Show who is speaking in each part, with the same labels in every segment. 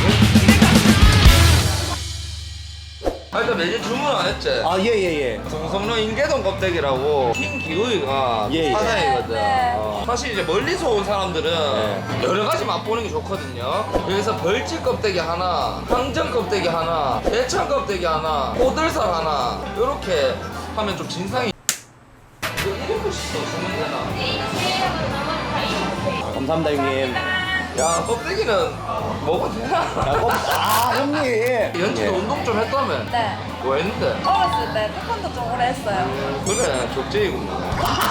Speaker 1: 일단 메뉴 주문 안 했지?
Speaker 2: 아, 예.
Speaker 1: 정성로 인계동 껍데기라고 흰 기우이가
Speaker 2: 예.
Speaker 1: 사장이거든.
Speaker 3: 네.
Speaker 1: 사실 이제 멀리서 온 사람들은 여러 가지 맛보는 게 좋거든요. 여기서 벌집 껍데기 하나, 항정 껍데기 하나, 대창 껍데기 하나, 오들살 하나 이렇게 하면 좀 진상이. 이거 1인분씩 주면 되나?
Speaker 2: 감사합니다, 형님.
Speaker 1: 야 껍데기는 먹어도 되나?
Speaker 2: 형님.
Speaker 1: 연지도 운동 좀 했다며?
Speaker 3: 네.
Speaker 1: 뭐 했는데?
Speaker 3: 어렸을 때 태권도 좀 오래 했어요.
Speaker 1: 그래 족제이구만.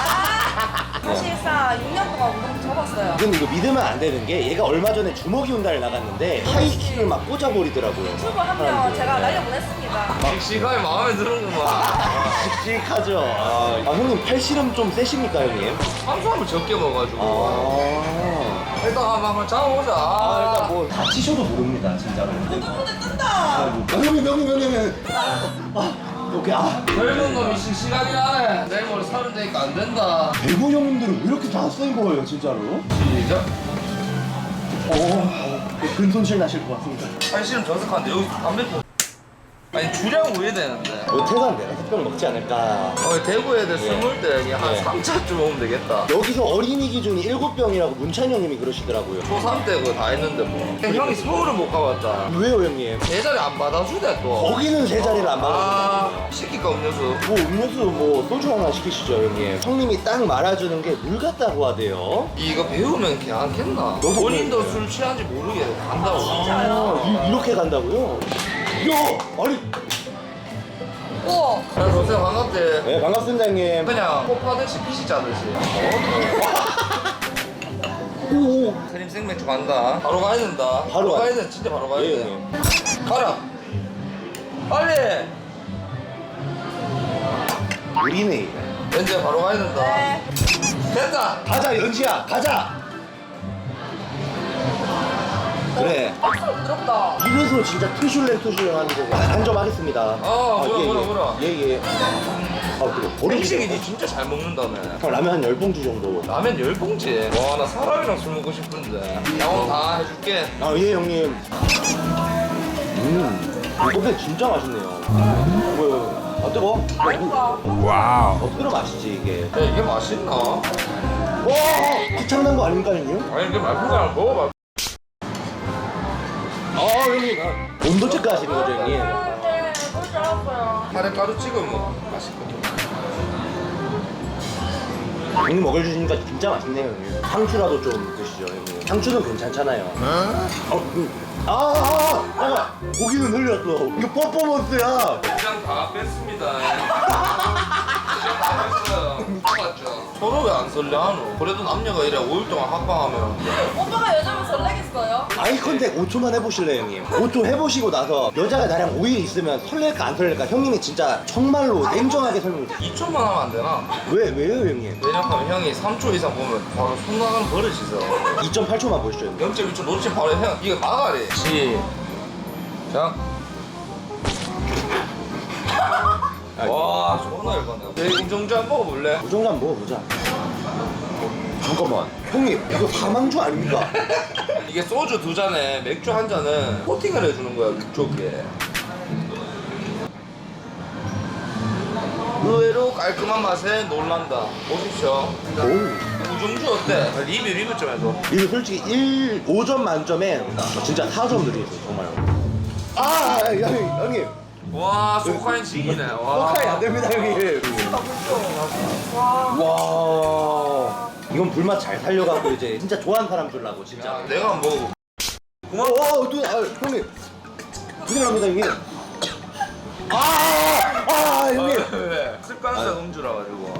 Speaker 3: 사실상 6년 동안 운동 접었어요.
Speaker 2: 근데 이거 믿으면 안 되는 게 얘가 얼마 전에 주먹이 운다를 나갔는데 하이킥을 막 꽂아버리더라고요.
Speaker 3: 유튜브 한 명 제가 날려보냈습니다.
Speaker 1: 씩씩하게 마음에 드는구만.
Speaker 2: 씩씩하죠. 형님 팔씨름 좀 세십니까, 형님?
Speaker 1: 탄수화물 적게 먹어가지고. 일단 한번 잡아보자.
Speaker 2: 일단 뭐 다치셔도 모릅니다, 진짜로.
Speaker 3: 근데 뜬다.
Speaker 2: 형님. 오케이.
Speaker 1: 젊은 놈이 씩씩하긴 하네. 내일 모레 30 되니까 안 된다.
Speaker 2: 대구 형님들은 왜 이렇게 다 센 거예요, 진짜로?
Speaker 1: 시작.
Speaker 2: 근손실 나실 것 같습니다.
Speaker 1: 팔씨름 저석한데 여기 담배 피. 아니 주량 우회 되는데.
Speaker 2: 퇴사는 내가 특별히 먹지 않을까.
Speaker 1: 대구 애들 스물 대 그냥 한
Speaker 2: 네.
Speaker 1: 3차쯤 오면 되겠다.
Speaker 2: 여기서 어린이 기준이 7병이라고 문찬이 형님이 그러시더라고요.
Speaker 1: 초3 때 그거 다 했는데 뭐. 형이 서울을 못 가봤다.
Speaker 2: 왜요, 형님?
Speaker 1: 제자리 안 받아주대 또.
Speaker 2: 거기는 세 자리를 안 받아요.
Speaker 1: 시킬까 음료수.
Speaker 2: 뭐 음료수 뭐 소주 하나 시키시죠, 형님. 형님이 딱 말아주는 게 물 같다고 하대요.
Speaker 1: 이거 배우면 걔안겠나?
Speaker 2: 너도
Speaker 1: 본인도
Speaker 2: 그래.
Speaker 1: 술 취한지 모르게 간다고.
Speaker 2: 이렇게 간다고요? 야, 아니.
Speaker 3: 우와.
Speaker 1: 야, 동생 반갑대.
Speaker 2: 네, 반갑습니다, 형님.
Speaker 1: 그냥 코파듯이 피시 짜듯이.
Speaker 2: 오.
Speaker 1: 크림 생맥주 간다. 바로 가야 된다.
Speaker 2: 바로
Speaker 1: 가야
Speaker 2: 가야
Speaker 1: 돼. 진짜 바로 가야
Speaker 2: 예,
Speaker 1: 돼.
Speaker 2: 형님.
Speaker 1: 가라. 빨리.
Speaker 2: 우리네.
Speaker 1: 연재 바로 가야 된다.
Speaker 3: 네.
Speaker 1: 됐다.
Speaker 2: 가자, 연지야, 가자. 그래.
Speaker 3: 박수로 부드럽다.
Speaker 2: 이래서 진짜 투슐랭 하는 거고. 한 점 하겠습니다.
Speaker 1: 뭐라.
Speaker 2: 예. 그래.
Speaker 1: 음식이 니 진짜 잘 먹는다며.
Speaker 2: 형 라면 한 10봉지 정도.
Speaker 1: 라면 10봉지. 와, 나 사람이랑 술 먹고 싶은데. 양호 다 해줄게.
Speaker 2: 예, 형님. 이거 진짜 맛있네요. 뭐요? 뜨거?
Speaker 3: 맛있다.
Speaker 2: 뜨거 맛있지, 이게.
Speaker 1: 야, 이게 맛있나?
Speaker 2: 와! 귀찮은 거 아닙니까, 형님?
Speaker 1: 아니, 이게 맛있는 거 먹어봐.
Speaker 2: 형님. 온도 체크 하시는 거죠, 형님?
Speaker 3: 네, 그럴 줄 알았어요.
Speaker 1: 카레 가루 찍으면 맛있거든.
Speaker 2: 형님 먹여주시니까 진짜 맛있네요, 형님. 상추라도 좀 드시죠, 형님. 상추는 괜찮잖아요. 고기는 흘렸어. 이거 퍼포먼스야.
Speaker 1: 그냥 다 뺐습니다. 그냥 다 뺐어요. 맞죠? 서로 왜 안 설레하노? 그래도 남녀가 이래 5일 동안 합방하면
Speaker 3: 오빠가 여자면 설레겠어요?
Speaker 2: 아이 컨택 5초만 해보실래요, 형님? 5초 해보시고 나서 여자가 나랑 5일 있으면 설렐까 안 설렐까 형님이 진짜 정말로 냉정하게 설명해주세요.
Speaker 1: 2초만 하면 안 되나?
Speaker 2: 왜요, 형님?
Speaker 1: 왜냐하면 형이 3초 이상 보면 바로 손 나가는 버릇이 있어.
Speaker 2: 2.8초만 보시죠, 형님.
Speaker 1: 0.1초 놓치면 바로 형 이거 막아래. 시작. 와, 존나 열받네. 대공정주 한번 먹어볼래?
Speaker 2: 우정도 한번 먹어보자. 잠깐만. 형님, 이거 사망주 아닙니까?
Speaker 1: 이게 소주 2잔에 맥주 1잔은 코팅을 해주는 거야, 그쪽에. 의외로 깔끔한 맛에 놀란다. 보십시오.
Speaker 2: 오.
Speaker 1: 우정주 어때? 리뷰 좀 해줘.
Speaker 2: 이거 솔직히 5점 만점에 진짜 4점 드리겠어요, 정말로. 형님.
Speaker 1: 와, 소카인 지기네. 와.
Speaker 2: 포카이 안 됩니다, 형님. 와. 이건 불맛 잘 살려갖고 이제 진짜 좋아하는 사람 주려고, 진짜.
Speaker 1: 야, 내가 한번 먹어.
Speaker 2: 형님. 큰일 납니다, 형님. 형님.
Speaker 1: 왜? 습관성 음주라 가지고.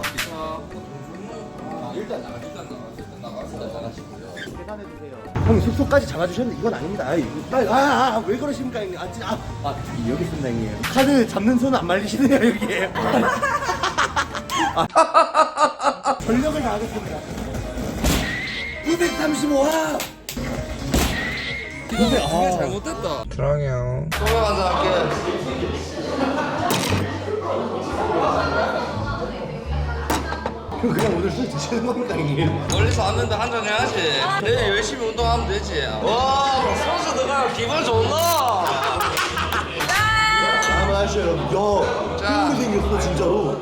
Speaker 2: 일단 나가시고요. 계산해주세요. 형님 숙소까지 잡아주셨는데 이건 아닙니다. 왜 그러십니까, 형님? 여기 있습니다, 형님. 카드 잡는 손은 안 말리시네요, 여기. 전력을 다하겠습니다. 235화!
Speaker 1: 이게 잘못됐다. 사랑해요. 소맥 한잔 할게.
Speaker 2: 그냥 오늘 술 드시는 겁니까, 형님?
Speaker 1: 멀리서 왔는데 한잔 해야지. 내일 열심히 운동하면 되지. 와, 소주 들어가요. 기분 좋나?
Speaker 2: 한번 하시죠 여러분. 야
Speaker 1: 자.
Speaker 2: 이렇게 생겼어 진짜로.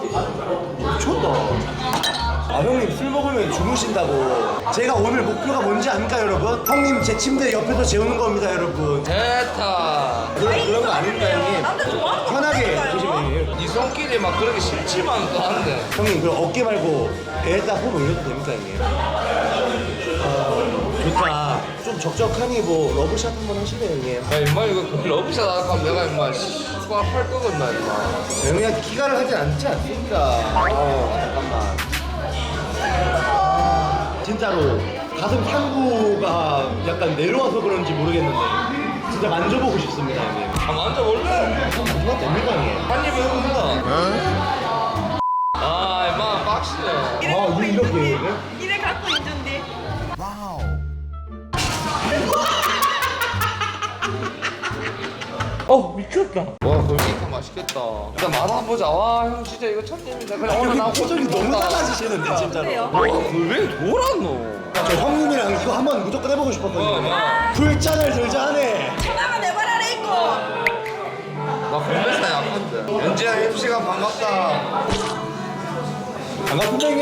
Speaker 2: 미쳤다. 아 형님 술 먹으면 주무신다고. 제가 오늘 목표가 뭔지 압니까 여러분? 형님 제 침대 옆에서 재우는 겁니다 여러분.
Speaker 1: 됐다.
Speaker 2: 그런 거 아닙니다 형님.
Speaker 3: 남자 좋아하는 거
Speaker 2: 편하게
Speaker 3: 같다니까요.
Speaker 2: 드시면 형님.
Speaker 1: 네 손길이 막 그렇게 싫지만 또 한데.
Speaker 2: 형님 그럼 어깨 말고 배에다 손 올려도 됩니까 형님? 좋다. 좀 적적하니 뭐 러브샷 한번 하실래요 형님?
Speaker 1: 야 임마 이거 그 러브샷 할까 내가 임마 수학할 거겠나 임마.
Speaker 2: 형님한테 기가를 하진 않지 않습니까? 잠깐만. 진짜로 가슴 상부가 약간 내려와서 그런지 모르겠는데 진짜 만져보고 싶습니다 형님.
Speaker 1: 아 만져볼래?
Speaker 2: 이거 됩니까 형님?
Speaker 1: 한 입에 해본다. 아 임마 빡치네.
Speaker 2: 아 이렇게
Speaker 3: 이래 갖고 있는데.
Speaker 1: 미쳤다. 와 골키카 맛있겠다. 일단 맛 한번 보자. 와 형 진짜 이거 첫입니다. 그냥 오늘 나
Speaker 2: 형님 표정이 너무 달라지시는데 진짜로.
Speaker 1: 와 골뱅이 돌았노.
Speaker 2: 저 형님이랑 이거 한번 무조건 해보고 싶었거든요. 불잔을 들자 하네.
Speaker 3: 하나가 내발 아래 있고.
Speaker 1: 나 건배사 약한데. 연지야 MC가 반갑다.
Speaker 2: 반갑습니다 형님.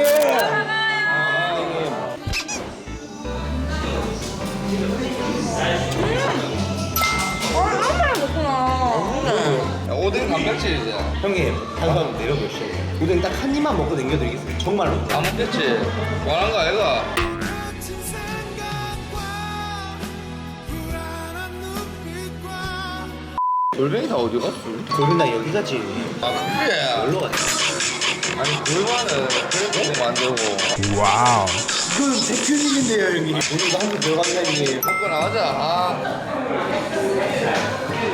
Speaker 3: 얼마나 먹구나.
Speaker 1: 야, 오뎅 단백질이지.
Speaker 2: 형님 한번 내려보시죠. 오뎅 딱 한 입만 먹고 남겨드리겠습니다. 정말로.
Speaker 1: 안 먹겠지? 원한 거 아이가? 골뱅이 다 어디 갔어?
Speaker 2: 고민나 여기 가지.
Speaker 1: 아 그래?
Speaker 2: 놀러 가지.
Speaker 1: 아니 골반은 그래도 만들고
Speaker 2: 이건 제 큐닝인데요 형님. 오늘 이거 한번 들어갑니다 형님.
Speaker 1: 먹고 나가자. 아.